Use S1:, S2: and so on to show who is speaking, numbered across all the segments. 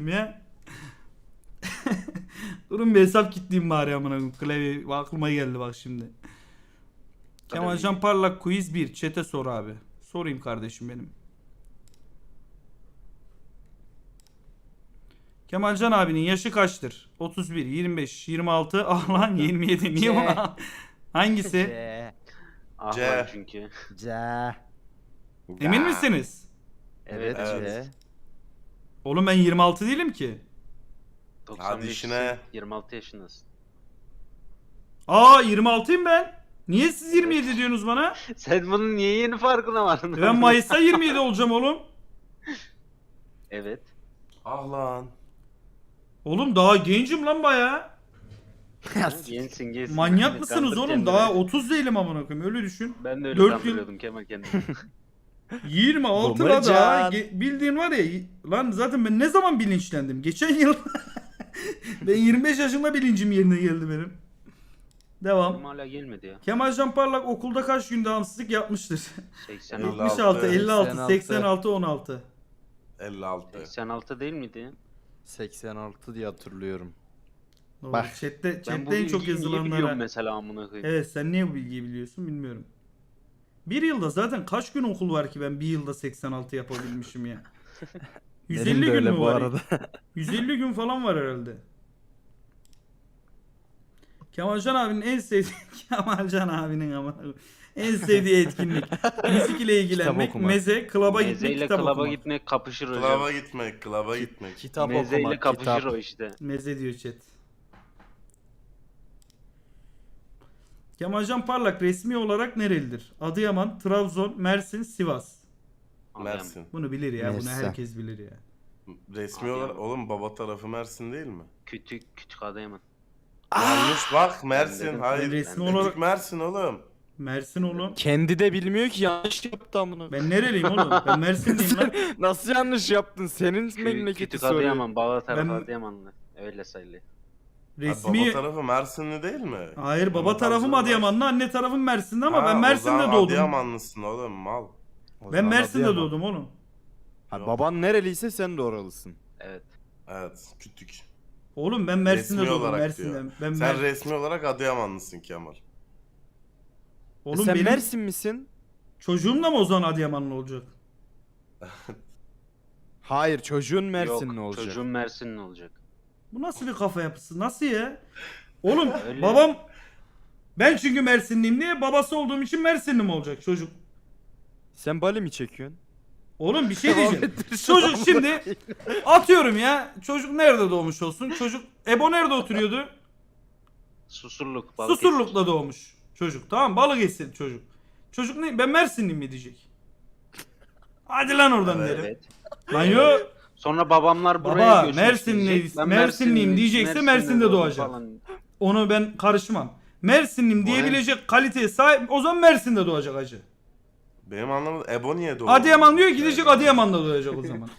S1: ya. Durun bir hesap kitleyeyim bari amına koyayım. Klavye aklıma geldi bak şimdi. Kemalcan Parlak quiz 1. Chat'e sor abi. Sorayım kardeşim benim. Kemalcan abinin yaşı kaçtır? 31, 25, 26, ah lan 27. Niye buna? Hangisi?
S2: C.
S3: Ah
S4: C.
S3: lan çünkü.
S2: C.
S1: Emin misiniz?
S2: Evet,
S3: Evet.
S2: C.
S1: Oğlum ben 26 değilim ki.
S3: 95
S4: işine.
S3: 26 yaşındasın.
S1: Aa 26'yım ben. Niye siz 27 diyorsunuz bana?
S3: Sen bunun niye yeni farkına vardın?
S1: Ben Mayıs'ta 27 olacağım oğlum.
S3: Evet.
S4: Ah lan.
S1: Oğlum daha gencim lan baya.
S3: Gençsin.
S1: Manyak mısınız
S3: Kandır
S1: oğlum?
S3: kendini.
S1: Daha 30 değilim amına koyayım. Öyle düşün.
S3: Ben de öyle
S1: 4 yıl-
S3: kandırıyordum Kemal kendimi.
S1: 26 la daha.
S2: Babacan.
S1: Bildiğin var ya. Lan zaten ben ne zaman bilinçlendim? Geçen yıl. Ben 25 yaşında bilincim yerine geldi benim. Devam.
S3: Benim hala gelmedi ya.
S1: Kemalcan Parlak okulda kaç gün devamsızlık yapmıştır?
S3: 86.
S1: 76, 56,
S2: 86.
S1: 86, 16.
S4: 56.
S3: 86 değil miydi?
S2: 86 diye hatırlıyorum.
S1: Doğru.
S2: Bak.
S1: Chatte
S3: Ben bu
S1: en çok
S3: bilgiyi niye biliyorum
S1: yazılanlara.
S3: mesela amına koyayım.
S1: Evet sen niye bu bilgiyi biliyorsun bilmiyorum. Bir yılda zaten kaç gün okul var ki ben bir yılda 86 yapabilmişim ya. 150
S2: Benim de
S1: gün
S2: öyle
S1: mü
S2: bu
S1: var?
S2: arada.
S1: 150 gün falan var herhalde. Kemalcan abinin en sevdiği Kemalcan abinin ama en sevdiği etkinlik müzik ile ilgilenmek,
S2: okumak.
S1: meze, klaba gitmek,
S3: Mezeyle
S1: kitap
S3: klaba
S1: okumak.
S3: gitmek kapışır hocam.
S4: Klaba gitmek, klaba gitmek.
S2: Kitap
S3: Mezeyle
S2: okumak,
S3: kapışır
S2: kitap.
S3: o işte.
S1: Meze diyor chat. Kemalcan Parlak resmi olarak nerelidir? Adıyaman, Trabzon, Mersin, Sivas.
S4: Mersin.
S1: Bunu bilir ya, bunu
S2: Mersin.
S1: herkes bilir ya.
S4: Resmi olarak oğlum baba tarafı Mersin değil mi?
S3: Küçük Adıyaman.
S4: Yanlış bak Mersin.
S3: dedim.
S4: Hayır.
S1: Resmi
S4: Küçük
S1: olarak-
S4: Mersin oğlum.
S1: Mersin oğlum.
S2: Kendi de bilmiyor ki yanlış yaptı amına.
S1: Ben nereliyim oğlum? Ben Mersinliyim lan.
S2: Nasıl yanlış yaptın? Senin memleketi
S3: Küçük
S2: soruyor.
S3: Adıyaman. Baba tarafı
S1: Ben-
S3: Adıyamanlı. Öyle sayılıyor.
S4: Baba
S1: Resmi...
S4: tarafı Mersinli değil mi?
S1: Hayır baba
S4: Ama
S1: tarafım
S4: Trabzon-
S1: Adıyamanlı, anne tarafım Mersin'de ama
S4: Ha,
S1: ben
S4: o
S1: Mersin'de
S4: zaman
S1: doğdum.
S4: Adıyamanlısın oğlum mal.
S2: O
S1: Ben
S2: zaman
S1: Mersin'de
S2: Adıyaman.
S1: doğdum oğlum.
S2: Ha, baban nereliyse sen de oralısın.
S3: Evet.
S4: Evet küçük.
S1: Oğlum ben Mersin'de
S4: Resmi
S1: doğdum,
S4: olarak
S1: Mersin'de.
S4: diyor.
S1: Ben
S4: Sen resmi olarak Adıyamanlısın Kemal.
S1: Oğlum
S2: Sen
S1: benim
S2: Mersin misin?
S1: çocuğum da mı o zaman Adıyamanlı olacak?
S2: Hayır, çocuğun Mersinli
S3: Yok,
S2: olacak.
S3: çocuğun Mersinli olacak.
S1: Bu nasıl bir kafa yapısı? Nasıl ya? Oğlum
S3: Öyle.
S1: babam ben çünkü Mersinliyim diye babası olduğum için Mersinli mi olacak çocuk?
S2: Sen Bali mi çekiyorsun?
S1: Oğlum bir şey
S2: Devam
S1: diyeceğim.
S2: ettir şu
S1: Çocuk
S2: anda.
S1: şimdi atıyorum ya. Çocuk nerede doğmuş olsun? Çocuk Ebo nerede oturuyordu?
S3: Susurluk. Balıkesir.
S1: Susurluk'ta doğmuş çocuk. Tamam Balıkesir çocuk. Çocuk ne? Ben Mersinliyim mi diyecek? Hadi lan oradan
S4: Evet.
S1: derim.
S3: Evet.
S1: Lan yo.
S3: Sonra babamlar buraya
S1: Baba,
S3: göçmüş
S1: Mersinli-
S3: diyecek. Ben
S1: Mersinliyim diyecekse Mersin'de
S3: doğdum
S1: doğacak.
S3: falan.
S1: Onu ben karışmam. Mersinliyim diyebilecek kaliteye sahip o zaman Mersin'de doğacak hacı.
S4: Benim anlamadım. Ebo niye doğdu?
S1: Adıyaman diyor gidecek Adıyaman'da doğacak o zaman.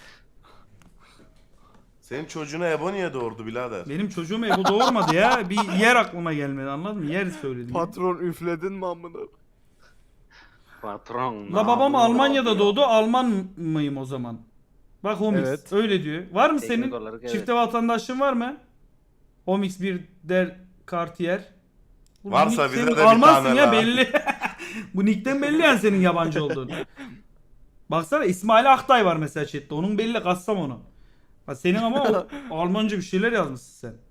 S4: Senin çocuğuna Ebo niye doğurdu birader?
S1: Benim çocuğum Ebu doğurmadı ya. Bir yer aklıma gelmedi anladın mı? Yer söyledim. ya.
S2: Patron üfledin mi amına?
S3: Patron.
S1: La babam Almanya'da doğdu. Alman mıyım o zaman? Bak Homix
S2: Evet.
S1: öyle diyor. Var mı
S3: Teknik
S1: senin
S3: olarak evet.
S1: çifte vatandaşlığın var mı? Homix bir der Cartier. Bu
S4: Varsa
S1: nick
S4: bize
S1: senin
S4: de bir
S1: Almansın
S4: tane
S1: ya
S4: la.
S1: belli. Bu nickten belli yani senin yabancı olduğun. Baksana İsmail Aktay var mesela chatte. Onun belli Kastamonu. Ha senin ama o Almanca bir şeyler yazmışsın sen.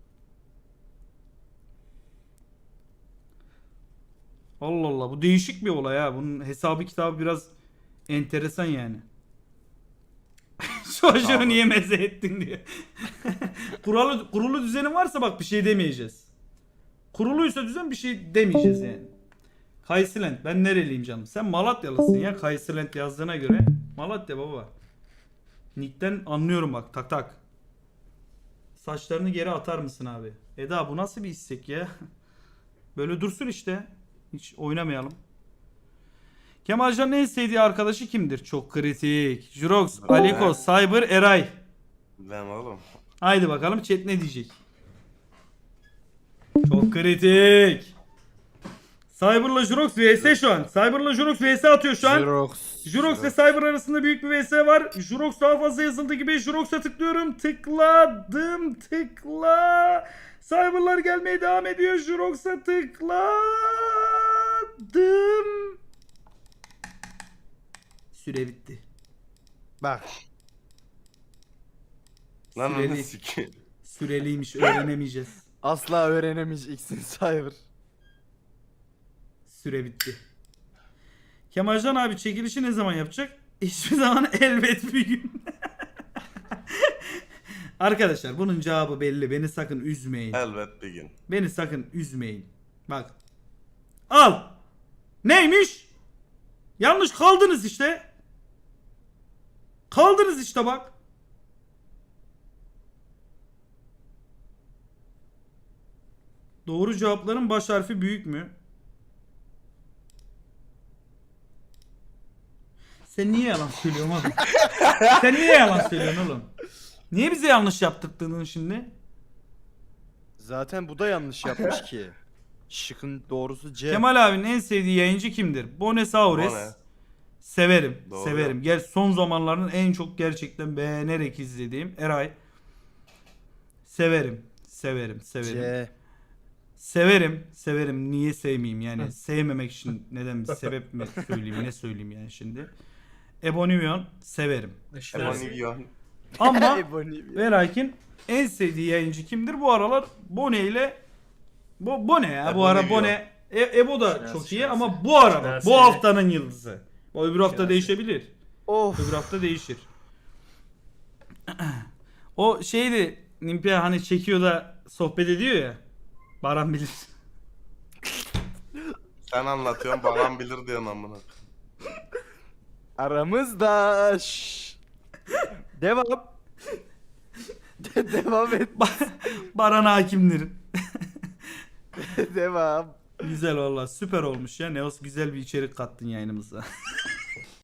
S1: Allah Allah bu değişik bir olay ha. Bunun hesabı kitabı biraz enteresan yani. Çocuğu
S4: Abi.
S1: niye meze ettin diye. Kurulu düzenin varsa bak bir şey demeyeceğiz. Kuruluysa düzen bir şey demeyeceğiz yani. Kaysilent. Ben nereliyim canım? Sen Malatyalısın ya Kaysilent yazdığına göre. Malatya baba. Nick'ten anlıyorum bak tak tak. Saçlarını geri atar mısın abi? Eda bu nasıl bir istek ya? Böyle dursun işte. Hiç oynamayalım. Kemalcan'ın en sevdiği arkadaşı kimdir? Çok kritik. Jurox, Aliko, Cyber, Eray.
S4: Ben oğlum.
S1: Haydi bakalım chat ne diyecek? Çok kritik. Cyber'la Jurox vs şu an. Cyber'la Jurox vs atıyor şu an.
S2: Xerox.
S1: Jurox ve Cyber arasında büyük bir vs var. Jurox daha fazla yazıldığı gibi Jurox'a tıklıyorum. Tıkladım. Tıkla. Cyber'lar gelmeye devam ediyor. Jurox'a tıkladım. Süre bitti.
S2: Bak.
S4: Lan
S1: Süreli.
S4: onu sikeyim.
S1: Süreliymiş, öğrenemeyeceğiz.
S2: Asla öğrenemeyeceksin Cyber.
S1: Süre bitti. Kemalcan abi çekilişi ne zaman yapacak? Hiçbir zaman, elbet bir gün. Arkadaşlar bunun cevabı belli. Beni sakın üzmeyin.
S4: Elbet bir gün.
S1: Beni sakın üzmeyin. Bak. Al. Neymiş? Yanlış kaldınız işte. Kaldınız işte bak. Doğru cevapların baş harfi büyük mü? Sen niye yalan söylüyorsun oğlum? Sen niye yalan söylüyorsun oğlum? Niye bize yanlış yaptırdın şimdi?
S2: Zaten bu da yanlış yapmış ki. Şıkın doğrusu C.
S1: Kemal abinin en sevdiği yayıncı kimdir? Bonesaurus.
S4: Bone.
S1: Severim.
S4: Doğru.
S1: Severim. Gel son zamanların en çok gerçekten beğenerek izlediğim Eray. Severim. Severim. Severim.
S2: C.
S1: Severim. Severim. Niye sevmeyeyim yani? Sevmemek için neden bir sebep mi söyleyeyim? Ne söyleyeyim yani şimdi? Ebonimion severim.
S4: Evanilyon.
S1: Ama
S2: Ebony.
S1: ve lakin en sevdiği yayıncı kimdir? Bu aralar Bone ile Bone ya. Bu ara
S4: Ebonimion.
S1: Bone Ebo da
S5: Şinasi,
S1: çok iyi
S5: Şinasi.
S1: ama bu ara bak,
S5: Şinasi.
S1: bu haftanın yıldızı. Bu öbür hafta
S5: Şinasi.
S1: değişebilir.
S2: Of.
S1: Öbür hafta değişir. O şeydi Nimpia hani çekiyor da sohbet ediyor ya. Baran bilir.
S4: Sen anlatıyorsun, Baran bilir diyorsun amına.
S2: Aramızda. Devam. Devam et.
S1: Baran hakimdir.
S2: Devam.
S1: Güzel valla süper olmuş ya. Neos güzel bir içerik kattın yayınımıza.